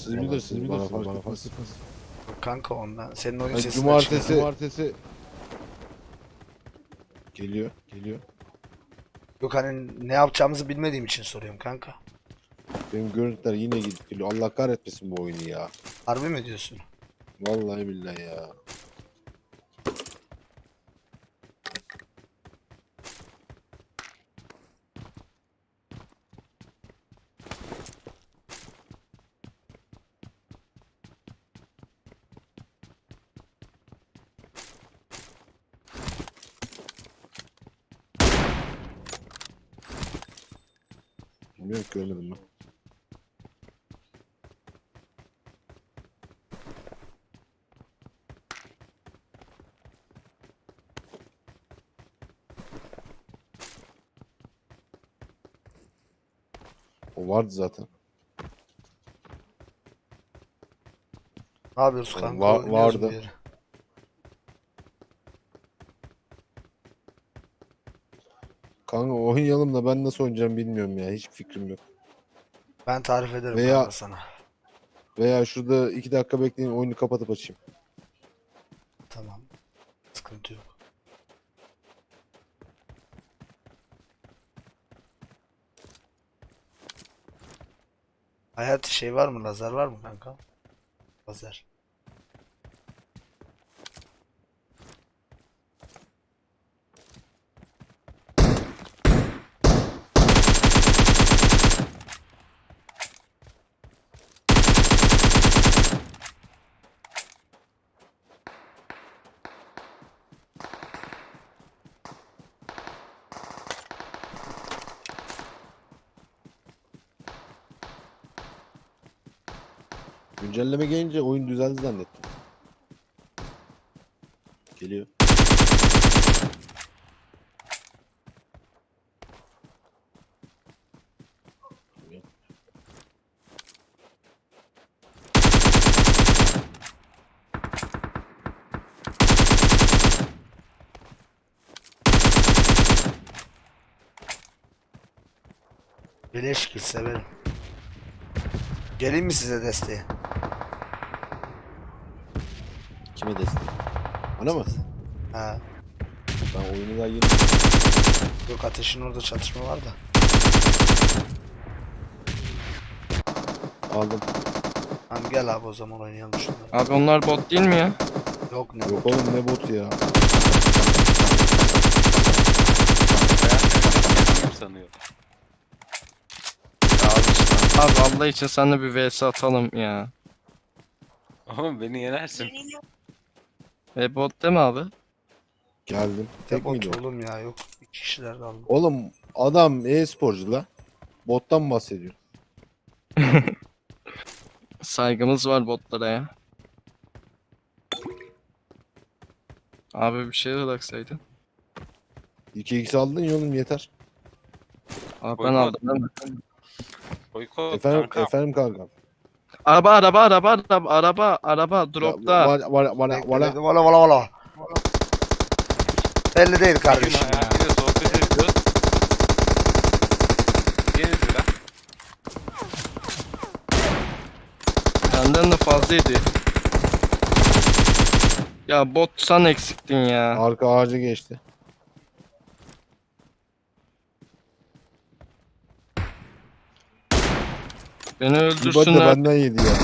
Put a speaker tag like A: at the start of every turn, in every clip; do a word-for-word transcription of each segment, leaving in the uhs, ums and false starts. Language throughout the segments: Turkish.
A: siz bilirsiniz, bana fark etmez.
B: Kanka ondan. Senin oyun
A: Yani
B: sesini
A: cumartesi, cumartesi geliyor, geliyor.
B: Yok hani ne yapacağımızı bilmediğim için soruyorum kanka.
A: Benim görüntüler yine gidip geliyor. Allah kahretmesin bu oyunu ya.
B: Harbi mi diyorsun?
A: Vallahi billahi ya. Bilmiyorum ki, görmedim ben. O vardı zaten.
B: Ne yapıyoruz
A: Va-
B: kanka? Oynuyoruz
A: vardı.
B: bir yere.
A: Kanka oynayalım da ben nasıl oynayacağım bilmiyorum ya. Hiç fikrim yok.
B: Ben tarif ederim
A: Veya-
B: kanka sana.
A: Veya şurada iki dakika bekleyin, oyunu kapatıp açayım.
B: Tamam. Sıkıntı yok. Hayati şey var mı? Lazer var mı kanka? Lazer.
A: Güncelleme gelince oyun düzeldi zannettim. Geliyor.
B: Beleş kill severim. Geleyim mi size desteğe?
A: Kime destek? Bana mı?
B: Ha.
A: Ben oyunu daha yeni...
B: Yok ateşin orada çatışma var da.
A: Aldım.
B: Tamam gel abi o zaman oynayalım şunları.
C: Abi onlar bot değil mi ya?
B: Yok ne?
A: Yok oğlum, ne botu ya.
D: Kim sanıyor?
C: Ya al işte. Abi Allah için seninle bir vs atalım ya.
D: Ama beni yenersin.
C: E bot değil mi abi?
A: Geldim. Tek
B: Tek
A: miydi
B: bot
A: o?
B: oğlum ya yok. İki kişiler kaldı.
A: Oğlum adam e-sporcu la. Bottan bahsediyor.
C: Saygımız var botlara ya. Abi bir şey bıraksaydın.
A: iki x aldın ya oğlum, yeter.
C: Abi ben
D: Boykot.
C: aldım değil mi?
D: Boykot
A: Efendim,
D: kanka.
A: efendim kankam.
C: Araba araba araba araba araba araba dropta.
A: Var var var
B: Bekle,
A: var.
B: bekle. Valla valla valla. Belli değil
D: Bugün
B: kardeşim ya.
D: hayatıyla sohbet ediyoruz. Yeni lira.
C: Benden de fazlaydı. Ya bot sen eksiktin ya.
A: Arka ağacı geçti.
C: Beni
A: Bir body de
C: öldürsünler.
A: benden yedi ya.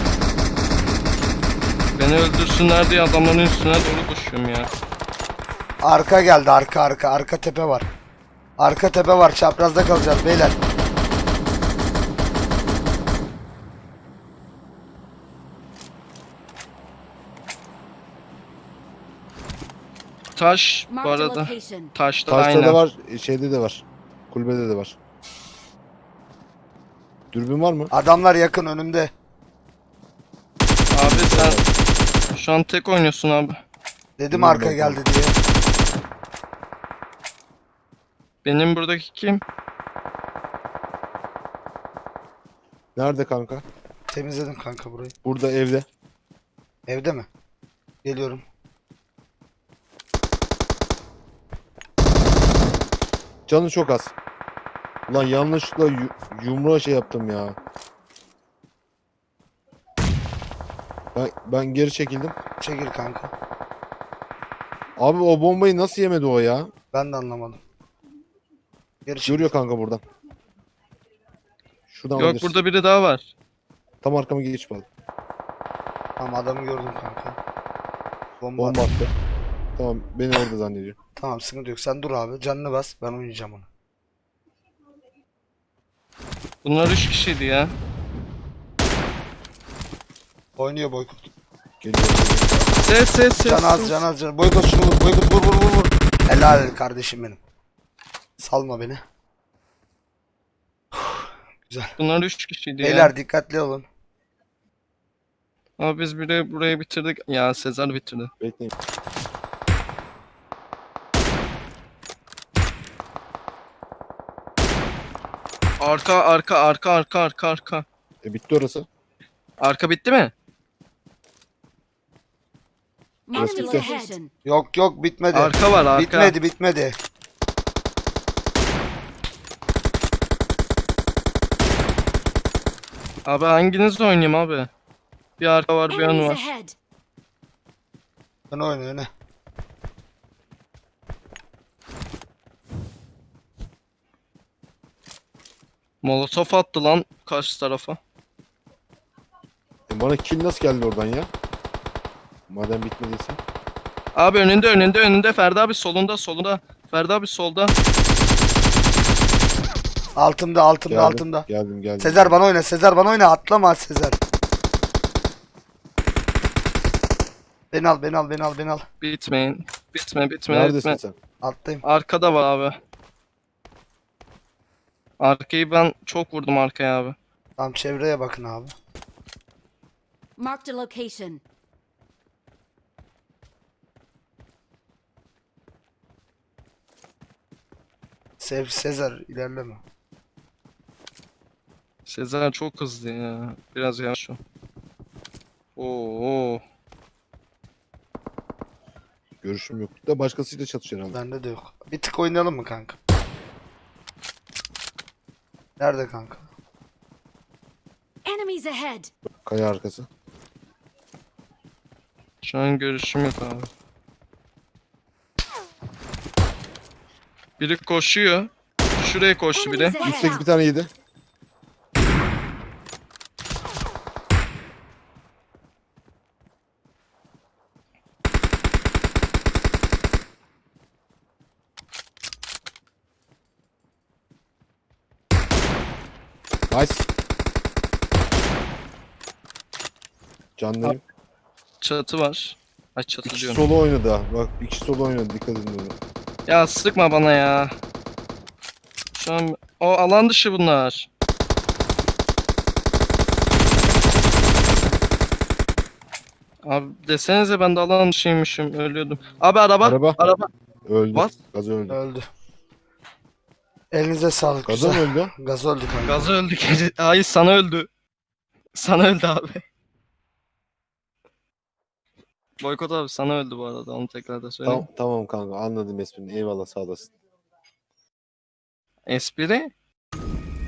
C: Beni öldürsünler diye adamların üstüne doğru koşuyorum ya.
B: Arka geldi arka arka. Arka tepe var. Arka tepe var. Çaprazda kalacağız beyler.
C: Taş bu
E: Marked a
C: arada.
E: location.
C: Taşta
A: Taşta
C: aynen.
A: da var, şeyde de var. Kulübede de var. Dürbün var mı?
B: Adamlar yakın önümde.
C: Abi sen şu an tek oynuyorsun abi.
B: Dedim
A: Bilmiyorum
B: arka
A: ben
B: geldi diye.
C: Benim buradaki kim?
A: Nerede kanka?
B: Temizledim kanka burayı.
A: Burada, evde.
B: Evde mi? Geliyorum.
A: Canı çok az. Ulan yanlışlıkla yu- yumruğa şey yaptım ya. Ben, ben geri çekildim.
B: Çekil kanka.
A: Abi o bombayı nasıl yemedi o ya?
B: Ben de anlamadım. Geri çekil.
A: Görüyor kanka buradan. Şuradan
C: Yok
A: alabilirsin.
C: burada biri daha var.
A: Tam arkama geç bak.
B: Tamam adamı gördüm kanka. Bomba.
A: Bomba attı. Tamam beni orada zannediyor.
B: Tamam sıkıntı yok. Sen dur abi. Canını bas. Ben oynayacağım onu.
C: Bunlar üç kişiydi ya.
B: Oynuyor Boykut.
A: Geliyor.
C: Ses ses ses.
B: Can az
C: ses.
B: can az can. Boykut şunu vur. Boykut vur vur vur vur. Helal kardeşim benim. Salma beni. Güzel.
C: Bunlar üç kişiydi ya.
B: Beyler dikkatli olun.
C: Ama biz biri burayı bitirdik. Ya Sezar bitirdi.
A: Bekleyin.
C: Arka arka arka arka arka arka.
A: E bitti orası.
C: Arka bitti mi?
A: Burası
E: Enemies
A: bitti.
E: ahead.
B: Yok yok bitmedi.
C: Arka var arka.
B: Bitmedi bitmedi.
C: Abi hanginiz oynayayım abi? Bir arka var bir ön
E: Enemies
C: var.
E: ahead.
B: Öne oyna öne.
C: Molotof attı lan karşı tarafa.
A: E bana kill nasıl geldi oradan ya? Madem bitmediyse.
C: Abi önünde önünde önünde Ferdi abi solunda solunda. Ferdi abi solda.
B: Altımda altımda
A: Geldim,
B: altımda.
A: Geldim geldim.
B: Sezer bana oyna. Sezer bana oyna. Atlama Sezer. Beni al beni al beni al beni al.
C: Bitmeyin. Bitme bitme
A: Neredesin
C: bitme.
A: sen?
B: Attayım.
C: Arkada var abi. Arkayı ben çok vurdum arkaya abi.
B: Tamam çevreye bakın abi.
E: Marked a location.
B: Sev Sezer ilerleme.
C: Sezer çok hızlı ya. Biraz yavaş o. Oo.
A: Görüşüm yok. Da başkasıyla çatışıyor herhalde.
B: Bende de yok. Bir tık oynayalım mı kanka? Nerede kanka?
E: Enemies ahead.
A: Kaya arkası.
C: Şu an görüşüm yok abi. Biri koşuyor. Şuraya koştu biri.
E: Enemies
A: Yüksek bir
E: ahead.
A: tane yedi. Nice. Canlarım.
C: Çatı var. Ay çatı
A: İki
C: diyorum.
A: solo oynadı ha. Bak bir kişi solo oynadı. Dikkat edin ona.
C: Ya sıkma bana ya. Şu an o alan dışı bunlar. Abi desenize ben de alan dışıymışım ölüyordum. Abi araba
A: Araba.
C: araba.
A: Öldü.
C: What?
A: Gaz öldü.
B: Öldü. Elinize sağlık.
A: Gaza mı
B: Güzel.
A: öldü?
B: Gaz öldü kanka.
C: Gazı öldü. gece- Hayır sana öldü. Sana öldü abi. Boykot abi sana öldü bu arada onu tekrar da söyleyeyim.
A: Tamam, tamam kanka anladım esprini. Eyvallah sağ olasın.
C: Espri.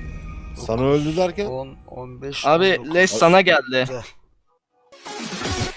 A: Sana öldü derken
B: on, on beş,
C: Abi
B: on dokuz.
C: Les sana geldi.
B: Güzel.